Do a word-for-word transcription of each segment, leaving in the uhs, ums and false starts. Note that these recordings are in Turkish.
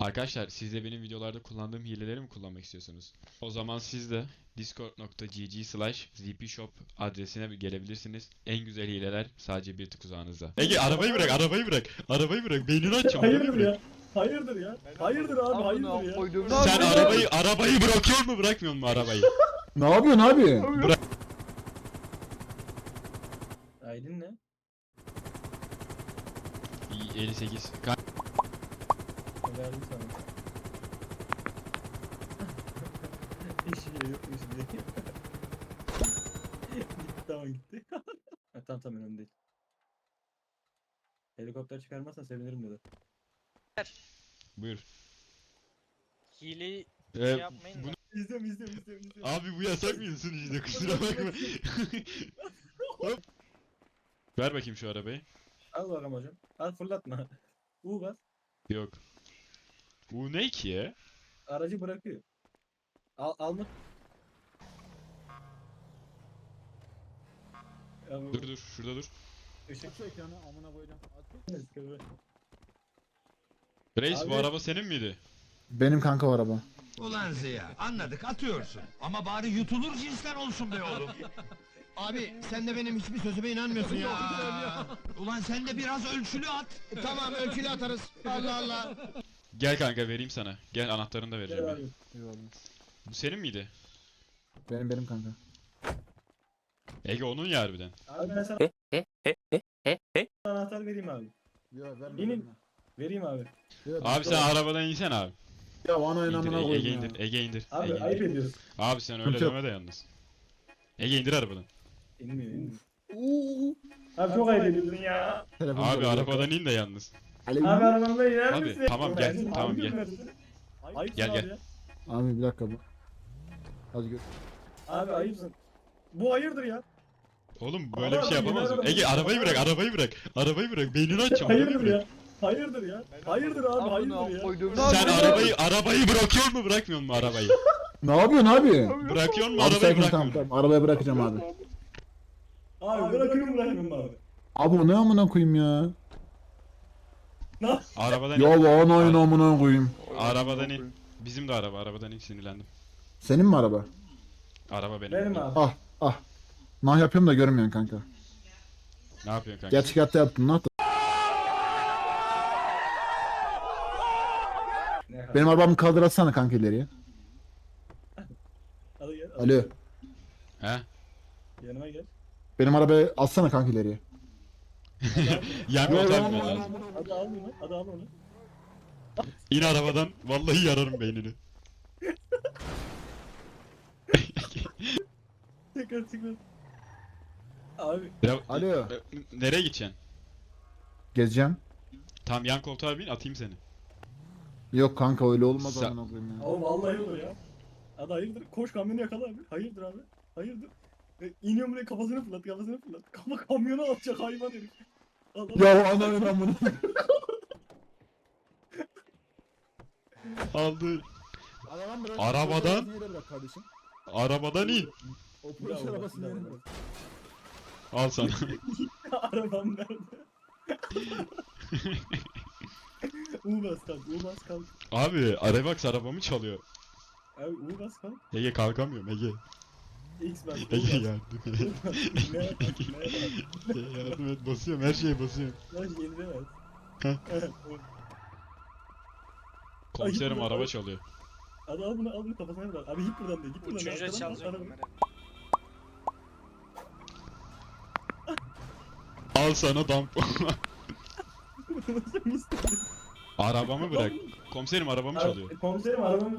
Arkadaşlar siz de benim videolarda kullandığım hileleri mi kullanmak istiyorsunuz? O zaman siz de discord.gg slash zpshop adresine gelebilirsiniz. En güzel hileler sadece bir tık uzağınızda. Ege arabayı bırak, arabayı bırak. Arabayı bırak, beynini açacağım, arabayı Hayırdır bırak. ya? Hayırdır ya? Hayırdır abi hayırdır ya? koydum. Sen arabayı, arabayı bırakıyor mu bırakmıyor mu arabayı? Ne yapıyorsun abi? Bırak. Aydın ne? İyi, elli sekiz. Ka- Verdim sana. Hiç şey yokmuş diye. Gitti tamam gitti. Ha, tamam tamam önemli değil. Helikopter çıkarmazsan sevinirim dedi. Buyur. Hile Ee, şey yapmayın da. bunu- İzliyorum izliyorum izliyorum izliyorum. Abi bu yasak mıydı sunucuda, kusura bakma. Hop. Ver bakayım şu arabayı. Al bakalım hocam. Al fırlatma. U bas. Yok. Bu ne ki ya? Aracı bırakıyor. Al alma. Ya bu Dur dur, şurada dur. ışık Aç ekranı amına koyacağım. sıkıntı. Reis bu Abi- araba senin miydi? Benim kanka o araba. Ulan Ziya anladık atıyorsun. Ama bari yutulur cinsten olsun be oğlum. Abi sen de benim hiçbir sözüme inanmıyorsun ya. Ulan sen de biraz ölçülü at. Tamam ölçülü atarız. Allah Allah. Gel kanka vereyim sana. Gel anahtarını da vereceğim. Gel ben. abi. Eyvallah. Bu senin miydi? Benim benim kanka. Ege onun ya harbiden. Abi ben sana anahtar vereyim abi. Ya verme. İnin. verme. Vereyim abi. Ya, Abi sen arabadan insen abi. Ya ana İndir, inamına Ege, koyayım Ege ya. indir, Ege indir. Abi Ege ayıp indir. ediyorsun. Abi sen öyle Sıkıntı yok. deme de yalnız. Ege indir arabadan. İnmiyor inmiyor. Abi çok ayıp ediyorsun ya. Telefon Abi çalıyor. arabadan in de yalnız. Alo. Abi arabamda iner Abi, misin? tamam, gel, Abi, tamam, abi, gel. görmedin. Ayıpsın Gel, abi gel. ya. Abi bir dakika bu. Hadi gör. Abi ayıpsın. Bu hayırdır ya? Oğlum böyle bir Abi, şey yapamaz mısın? abi, Ege abi. arabayı bırak, arabayı bırak. Arabayı bırak, beynini açacağım, arabayı Hayırdır bırak. ya? Hayırdır ya? Hayırdır abi hayırdır ya? koydum. Sen arabayı, arabayı bırakıyor mu bırakmıyor mu arabayı? Ne yapıyorsun abi? Bırakıyor mu Abi arabayı sakin bırakmıyor tamam mu? tamam. Arabaya bırakacağım abi. Abi bırakıyorum bırakıyorum abi. Abi o ne amına koyayım ya? Arabadan Ya in. ana inamına koyayım. Arabadan in. Bizim de araba, arabadan in, sinirlendim. Senin mi araba? Araba benim. Benim abi. Ah ah. Nah yapıyorum da görmüyorsun kanka. Ne yapıyorsun kanka? Gerçek hayatta yaptın nah da. Ne Benim arabamı kaldır atsana kanka ileriye. Hadi gel. Alo. He? Yanıma gel. Benim arabayı atsana kanka ileriye. Yan Yo, koltuğa yo, binmen yo, lazım. Hadi al bunu. Hadi al onu. İn arabadan, vallahi yararım beynini. Tekrar tekrar. Abi Ya, Alo. e, nereye gideceksin? Gezeceğim. Tam yan koltuğa bin, atayım seni. Yok kanka öyle olmaz Sa- amına koyayım ya. Abi vallahi olur ya. Hadi hayırdır? Koş kamyonu yakala abi. Hayırdır abi? Hayırdır? E, iniyorum buraya kafasını fırlat kafasını fırlat. Kafa kamyona atacak hayvan herif. Al, al. Ya ana inamına. Aldı. Arabadan bırak. Arabadan? Polis arabasını yere bırak kardeşim. Arabadan in. O polis Bravo, arabasını bravo. yere bırak. Al sana. Arabam nerede? U bas kalk, U bas kalk. Abi, Arabax arabamı çalıyor. Abi U bas kalk. Ege kalkamıyorum Ege. X bas. U Ege bas. yardım et. U bas. Ne yapar? Ne yapar? Ege yardım et, basıyorum, her şeye basıyorum. Lan yenilemez. Heh. Evet, o- Komiserim Ay, araba ay. çalıyor. Hadi al bunu al bunu kafasına bırak. Abi git buradan de git buradan de. Uçunca Arkadan bas, çalacak araba- bunları. Al sana damp. Nasıl istedin? Arabamı bırak. Komiserim arabamı çalıyor. Abi, Komiserim arabamı...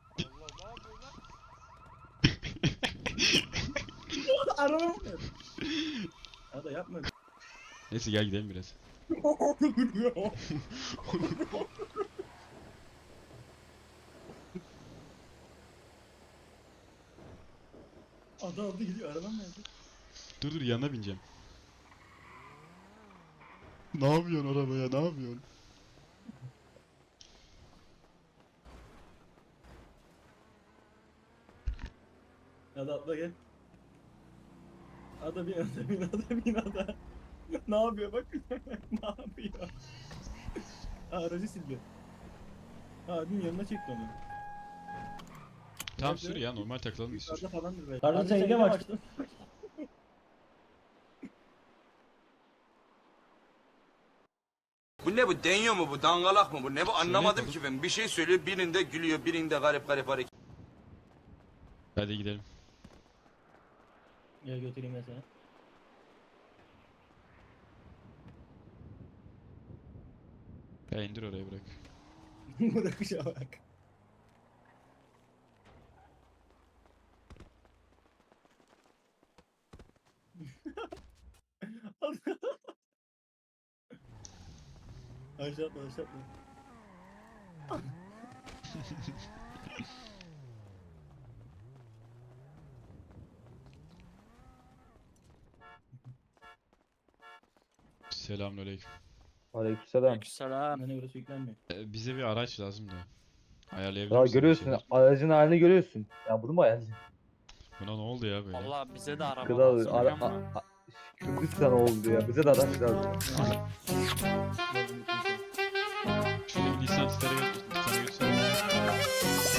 Arabamı... Hadi yapma. Neyse gel gidelim biraz. Adı aldı gidiyor arabam nerede? Dur dur yanına bineceğim. Ne yapıyorsun arabaya, ne yapıyorsun? Hadi atla gel. Ada bin ada bin ada bin ada. Ne yapıyor bak. Ne yapıyor? Aa, aracı sildi. Abinin yanına çekti onu. Tamam Nerede? sür ya, normal takılalım bir sür. Yukarıda falandır belki. Kardeşim sen yine mi açtın? Bu ne bu? Deniyor mu bu? Dangalak mı bu? Ne bu? Anlamadım bakalım. ki ben. Bir şey söylüyor, birinde gülüyor, birinde garip garip hareket. Hadi gidelim. Gel götüreyim ben seni. Ya indir oraya bırak. Bırakışa bak. Aşağı atma aşağı atma. Selamünaleyküm. Aleykümselam. Selam. Bana burası yüklenmiyor. Ee, bize bir araç lazım da. Ayarlayabilir Ya misin bir görüyorsun, şeyler? aracın halini görüyorsun. Ya bunu mu ayarlayacaksın? Buna ne oldu ya böyle? Valla bize de araba Kral, lazım ara, ama. a, a, Kürdistan oldu ya. Bize de araç lazım. Şuradaki Nissan Titan'a götür. Titan'a götürsene.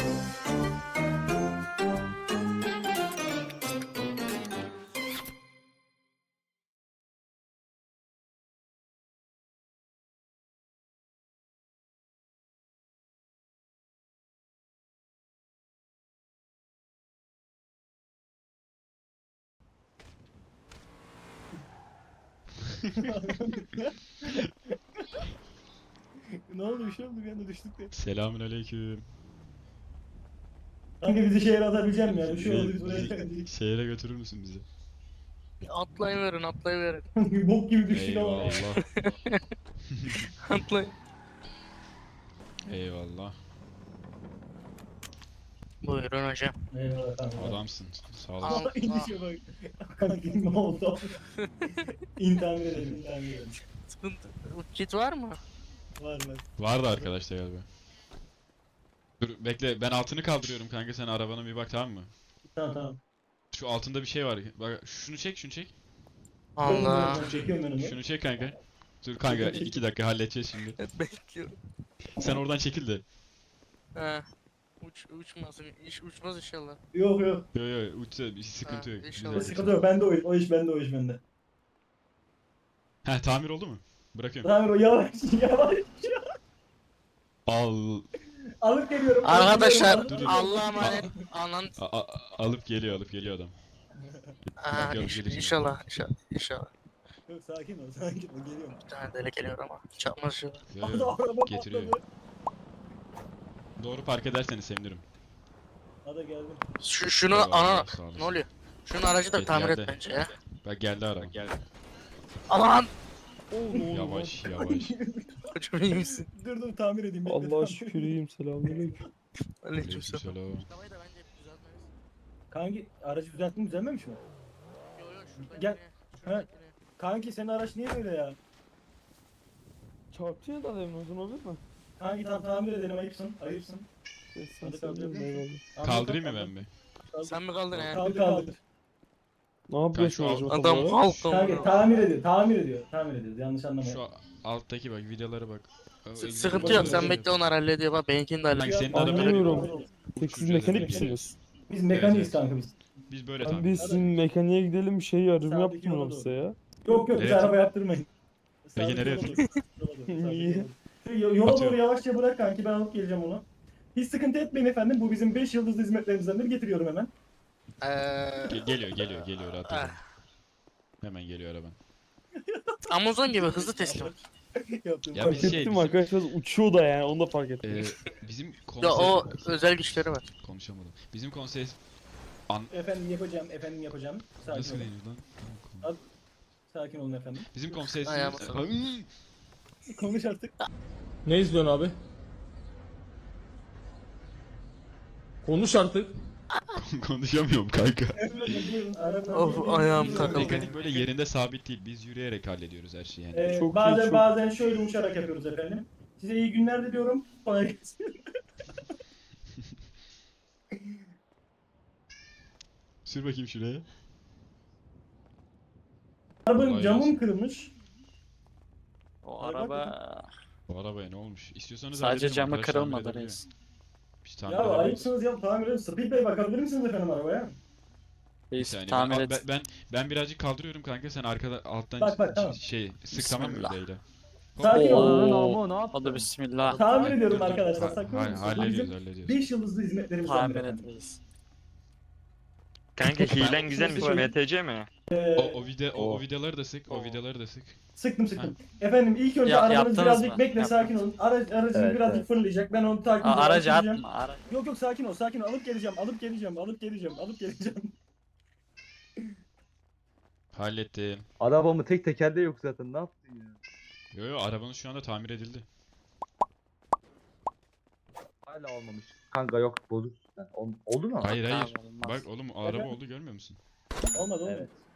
Ne oldu bir şey oldu bir anda düştük de. Selamünaleyküm. Kanka bizi şehre atabilecek misin ya? Bir şey oldu biz Bizi- buraya bizi geldik. Şehre götürür müsün bizi? Atlayıverin atlayıverin. Bok gibi düştük ama. Eyvallah. Atlayın. Eyvallah. Buyurun hocam. Eyvallah kanka. Adamsın. Sağ Al. olasın. Aa, inişe bak. Kanka ne oldu? İnternet edelim, internet edelim. Sıkıntı. Kit var mı? Var var. Vardı arkadaşlar galiba. Dur bekle, ben altını kaldırıyorum kanka, sen arabana bir bak, tamam mı? Tamam tamam. Şu altında bir şey var. Bak şunu çek, şunu çek. Allah. Çekiyorum ben onu. Şunu çek kanka. Dur kanka, Çek, çek. iki dakika halledeceğiz şimdi. Bekliyorum. Sen oradan çekil de. He. Uç, uçmasın. İş uçmaz inşallah. Yok yok. Yo yo uçsa bir sıkıntı Ha, yok. inşallah. Güzel. Sıkıntı yok. Bende o iş. O iş bende o iş bende. Heh, tamir oldu mu? Bırakıyorum. Tamam o yavaş yavaş. Al. Alıp geliyorum. alıp Arkadaşlar geliyorum, alıp geliyorum. Allah'a emanet. Anan. A- a- alıp geliyor, alıp geliyor adam. Aha, Bakalım iş- gelişim. inşallah inşallah inşallah. Yok sakin ol sakin ol geliyorum. Bir tane deli geliyor ama. Çarpmaz inşallah. Yo, Hadi yo, araba getiriyor. patladı. Doğru park ederseniz sevinirim. Hadi geldim. Şu, şunu Eyvallah, ana. sağ olasın. Ne oluyor? Şunun aracı da Geldi, tamir et geldi. bence ya. Bak geldi araba. Geldi. Aman. Yavaş yavaş. Hocam iyi misin? Dur dur tamir edeyim. bekle, Allah'a tamir şükür edeyim. iyiyim, selamünaleyküm. Aleykümselam. Aleykümselam. Arabayı da bence düzeltmeliyiz. Kanki aracı düzelttin mi düzelmemiş mi? Yo yo şuradakine. Gel. şuradakine. Kanki senin araç niye böyle ya? Çarptı ya da demin uzun olabilir mi? Kanki tam tamir edelim ayıpsın. Ayıpsın. Sen Hadi sen kaldır. eyvallah. Kaldırayım mı ben bir? Sen mi kaldın he? Kaldır kaldır. Ne yapıyorsun şu aracı Adam motorlara? halk Kanki amına. tamir ediyor. Tamir ediyor. Tamir ediyoruz. Yanlış anlamayın. Şu alttaki bak, videolara bak. S- Sıkıntı yok sen bekle onlar hallediyor bak benimkini de Kanka hallediyor. senin arabaya Anlıyorum. Peki siz Uçuracağız mekanik dedim. misiniz? Biz mekaniğiz Evet, kanka biz. Biz böyle Ben tamir. biz sizin mekaniğe gidelim, şey yardım Sağdaki yaptıralım yola size ya. Yok yok biz Evet. araba yaptırmayın. Peki Sağdaki nereye yola doğru, yola doğru, sağdaki Niye? yola doğru. Yo- Yola doğru Atıyorum. yavaşça bırak kanki ben alıp geleceğim onu. Hiç sıkıntı etmeyin efendim. Bu bizim beş yıldızlı hizmetlerimizden biri. Getiriyorum hemen. Eee Ge- geliyor geliyor geliyor rahat Ah. olun. Hemen geliyor araban. Amazon gibi hızlı teslim. Yaptım. Ya Fark biz şey, ettim bizim- arkadaşlar uçuyor da yani, onu da fark ettim. Ee, bizim Ya konsey... o özel güçleri var. Konuşamadım. Bizim konsey... Efendim yapacağım, efendim yapacağım. Sakin Nasıl olun. denir lan? Sakin olun efendim. Bizim konsey... Ayağıma sağlık. Konuş artık. Ne izliyorsun abi? Konuş artık. Konuşamıyorum kanka. Buyurun, arabanın- Of, ayağım takıldı. Mekanik böyle yerinde sabit değil. Biz yürüyerek hallediyoruz her şeyi yani. Ee, Çok iyi, bazen çok- bazen şöyle uçarak yapıyoruz efendim. Size iyi günler diliyorum. Kolay gelsin. Sür bakayım şuraya. Arabanın Kolay camım gelsin. kırılmış. O Araba- araba Bu arabaya ne olmuş? İstiyorsanız Sadece halledelim, camı arkadaş tamir kırılmadı edebiliyor. reis. Biz tamir Ya edebiliriz. ayıpsınız ya tamir edin. Speed Bey bakabilir misiniz efendim arabaya? Bir Reis saniye tamir ben, et. ben, ben, ben birazcık kaldırıyorum kanka, sen arkada alttan Bak, bak, tamam. şey sık tamam mı Bismillah. videoyla? Sakin Oo. olun. Ama ne yaptın? Hadi bismillah. Tamir Dur, ediyorum dur. arkadaşlar. Ha- Sakın ha- olun. Bu Hallediyoruz bizim hallediyoruz. beş yıldızlı hizmetlerimizden Tamir biri et efendim. reis. Kanka hilen Ben- güzelmiş, Şöyle- M T C mi? Ee, O, o video o, o Oh. videoları da sık, o videoları da sık. Sıktım sıktım. Efendim ilk önce Ya- arabanız yaptınız birazcık mı? bekle, Yaptım. sakin olun. Araç, aracınız Evet, birazcık evet. fırlayacak. Ben onu takip Aa, edeceğim. aracı açacağım. atma. Ara... Yok yok sakin ol sakin ol. Alıp geleceğim, alıp geleceğim, alıp geleceğim, alıp geleceğim. Hallettim. Arabamı tek tekerde yok zaten. Ne yaptın ya? Yo yo, arabanız şu anda tamir edildi. Hala olmamış. Kanka yok bozuk. Yani ol- oldu mu? Hayır hayır. Tamam, olmaz. Bak oğlum o araba oldu, görmüyor musun? Olmadı olmadı. Evet.